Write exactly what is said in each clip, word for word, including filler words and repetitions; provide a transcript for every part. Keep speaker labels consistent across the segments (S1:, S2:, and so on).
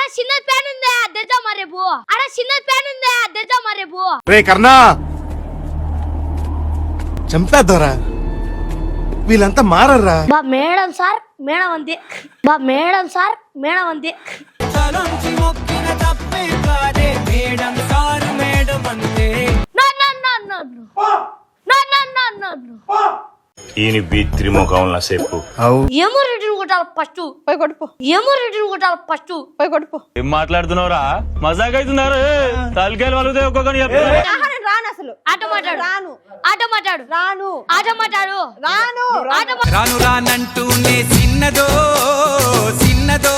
S1: చిన్న ప్యాన్ ఉందా తెద్దామా రేపు అరే చిన్న ప్యాన్ ఉందా తెద్దామా రేపు
S2: రే కర్ణా చంపేద్దారా వీళ్ళంతా మారర్రా
S1: బా మేడం సార్ మేడం అంతే బా మేడం సార్ మేడం అంతే
S3: ఈయన బీ త్రిముఖంలా చెప్పు
S1: ఏమో రిటర్న్ కొట్టాలి ఫస్ట్ పోయి కొట్టుపో ఏమో రిటర్న్ కొట్టాలి ఫస్ట్ పోయి కొట్టుపో
S3: ఏం మాట్లాడుతున్నావురా మజాక్ అవుతున్నారు తలకాయలు వాళ్ళుదే ఒక్కొక్కని
S1: రాను అసలు ఆట మాట్లాడు రాను ఆట మాట్లాడు రాను ఆట మాట్లాడు రాను ఆట
S4: రాను రానంటూనే చిన్నదో చిన్నదో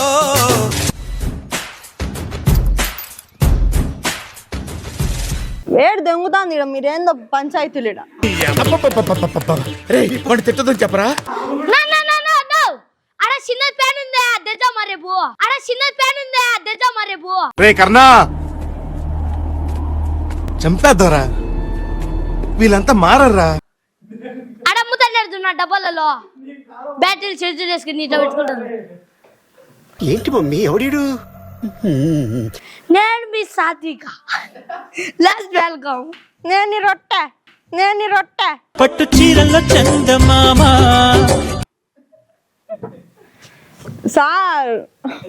S5: వేడి దొంగతాంది ఇక్కడ మీరేందో పంచాయతీలు
S2: వాడు తిట్టదని చెప్పరా
S1: అడ చిన్న ప్యాన్ ఉందా తెద్దామా రేపు అడ చిన్న ప్యాన్ ఉందా తెద్దామా రేపు
S2: రే కర్ణా చంపేద్దారా వీళ్ళంతా మారర్రా
S1: అడ ముద్దలేడుతున్నా డబ్బాలలో బ్యాటరీలు చేతులు వేసుకుని నీట పెట్టుకుంటాను
S6: ఏంటి మమ్మీ ఎవడీడు
S1: నేను మీ సాత్విక లాస్ట్ వెల్కమ్
S5: నేను నీ రొట్టె నేను నీ రొట్టె
S4: పట్టు చీరల్లో చందమామ
S5: సార్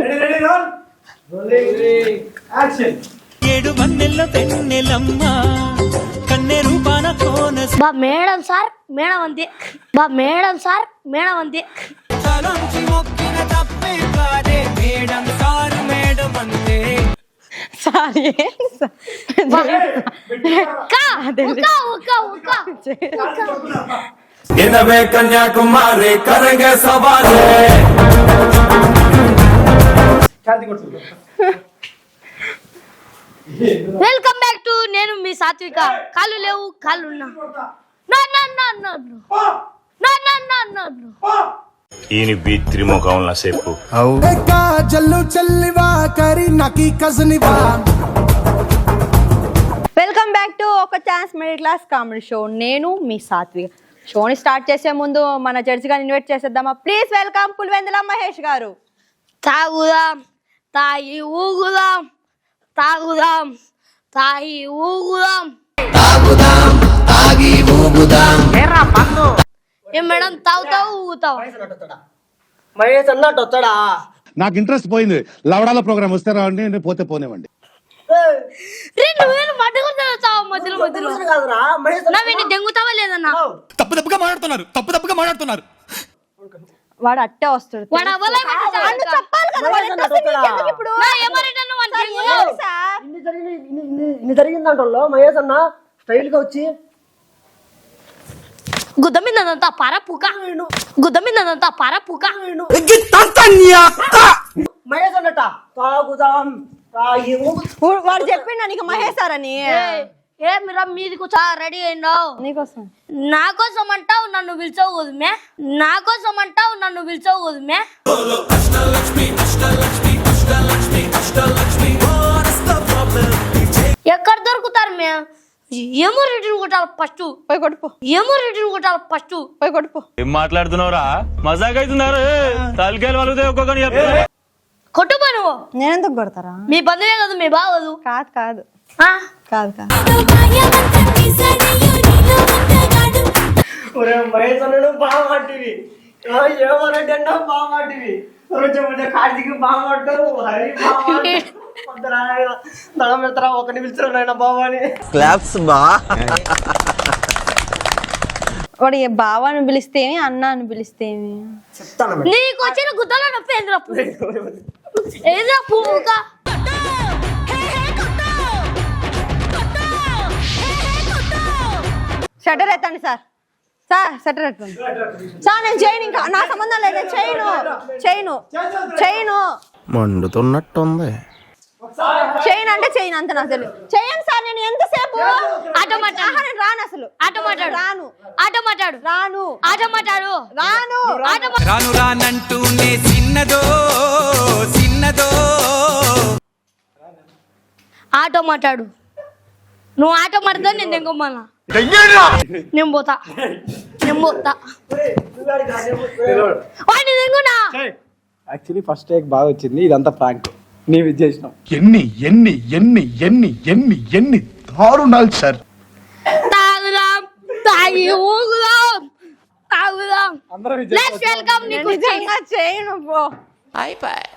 S4: ఏడు మన్నెల్లో పెన్నెలమ్మ కన్నె రూపాన కోన
S1: బా మేడం సార్ మేడం అంతే బా మేడం సార్ మేడం అంతే
S4: తలంచి మొక్కిన తప్పే కాదే మేడం సారు మేడం అంతే
S5: సార్ ఏంటి సార్?
S1: కా ఉకా ఉకా ఉకా
S4: ఇనవే కన్యాకుమారి కరంగే సవాలే
S1: వెల్కమ్ బ్యాక్ టు నేను మీ సాత్విక కాళ్ళు లేవు కాళ్ళు ఉన్నా నా నా నా నా నా నా నా నా నా
S3: ఈయన బీ త్రిముఖంలా చెప్పు
S6: జల్లు చల్లివా కరి నకి కజనివా
S5: వెల్కమ్ బ్యాక్ టు ఒక chance middle class comedy show నేను మీ సాత్విక షోని స్టార్ట్ చేసే ముందు మన జడ్జి గారిని ఇన్వైట్ చేసేద్దామా ప్లీజ్ వెల్కమ్ పులివెందుల మహేష్ గారు.
S1: తాగుదాం తాగి ఊగుదాం తాగుదాం తాగి ఊగుదాం
S6: తాగుదాం తాగి ఊగుదాం
S1: ఏం మేడం తాగుతావు ఊగుతావు
S7: మహేష్ అన్నట్టు వస్తాడా?
S2: నాకు ఇంట్రెస్ట్ పోయింది లవడాల ప్రోగ్రామ్ వస్తే రావండి పోతే పోనేవండి
S1: రే నువ్వేను మడ్డగొడతావు మధ్యలో మధ్యలో
S7: కాదురా మహేష్
S1: నా వీడిని దెంగుతావా లేదన్నా
S4: తప్పు తప్పుగా మాట్లాడుతున్నారు తప్పు తప్పుగా మాట్లాడుతున్నారు
S5: వాడు అట్టే వస్తాడు
S1: వాడు అవ్వలే
S5: వాడు చెప్పాలి కదా వాడు ఎట్లా వస్తాడు నీకెందుకు ఇప్పుడు?
S1: నా ఏమరేటన్నా వాడు
S5: సార్,
S1: దెంగుతావు.
S5: ఏంటి సార్?
S7: ఇన్ని జరిగింది ఇన్ని ఇన్ని ఇన్ని జరిగిందంటో మహేష్ అన్న స్టైల్ గా వచ్చి
S1: గుద్ద మీదంతా పరపుక గుద్ద మీదంతా పరపుక
S7: మహేష్ అన్నట తాగుదాం తాగి
S5: ఊ- వాడు చెప్పిండా నీకు మహేష్ సార్ అని?
S1: ఏ మీరా మీది కూర్చో రెడీ అయిండావు
S5: నీకోసం
S1: నా కోసం అంటావు నన్ను పిలిచావు కదమే నా కోసం అంటావు నన్ను పిలిచావు కదమే ఎక్కడ దొరుకుతారు మే ఏమో రిటర్న్ కొట్టాలి ఫస్ట్
S5: పోయి కొట్టుపో
S1: ఏమో రిటర్న్ కొట్టాలి ఫస్ట్
S5: పోయి కొట్టుపో
S3: ఏం మాట్లాడుతున్నావురా మజాక్ అవుతున్నారు తలకాయలు వాళ్ళుదే ఒక్కొక్కని
S1: కొట్టుపో నువ్వు
S5: నేనెందుకు కొడతారా?
S1: మీ బంధువే కదా మీ బాగోదు
S5: కాదు కాదు
S1: ఆ?
S5: కాదు కాదు
S7: ఒరే మహేష్ అన్నాడు బాగా మాటివి ఏమనంటే అన్నా బాగా మాటివి రోజు కార్తీక్ బాగా మాట్లాడు హరి బాగా దళం వెళ్తారా ఒకరిని పిలిచారు ఆయన బాబా అని
S6: క్లాప్స్ బా
S5: వాడు ఏ బావాని పిలిస్తేమి అన్న అని పిలిస్తేమి
S7: చెప్తాను
S1: నీకు వచ్చిన గుద్దలో నొప్పి ఏంద్రా ఏదిరా పువ్వుగా
S5: షటర్ ఎత్తండి సార్ సార్ షటర్ ఎత్తండి సార్ నేను చేయను ఇంకా నా సంబంధం లేదు నేను చేయను చేయను చేయను
S6: మండుతున్నట్టుంది
S5: చేయను అంటే చేయను అంత నాకు తెలియదు చేయను సార్ నేను ఎంతసేపు
S1: ఆట మాట్లాడు.
S5: ఆహా, నేను రాను అసలు
S1: ఆట మాట్లాడు
S5: రాను
S1: ఆట మాట్లాడు
S5: రాను
S1: ఆట మాట్లాడు
S5: రాను
S1: ఆట మా-
S4: రాను రానంటూనే చిన్నదో చిన్నదో
S1: ఆటో మాట్లాడు నువ్వు ఆటో మాట్లాడితే నేను దెంగమ్మన్నా నేను పోతా నేను పోతా వాడిని దెంగునా
S8: యాక్చువల్లీ ఫస్ట్ టేక్ బాగా వచ్చింది ఇదంతా ప్రాంక్
S7: నీవు ఇది చేసినావు.
S2: ఎన్ని ఎన్ని ఎన్ని ఎన్ని ఎన్ని ఎన్ని దారుణాలు సార్.
S1: తాగుదాం తాగి ఊగుదాం తాగుదాం
S7: అందరం ఇది
S1: లెట్స్ వెల్కమ్
S5: నేను
S1: నీకు
S5: నిజంగా చేయను పో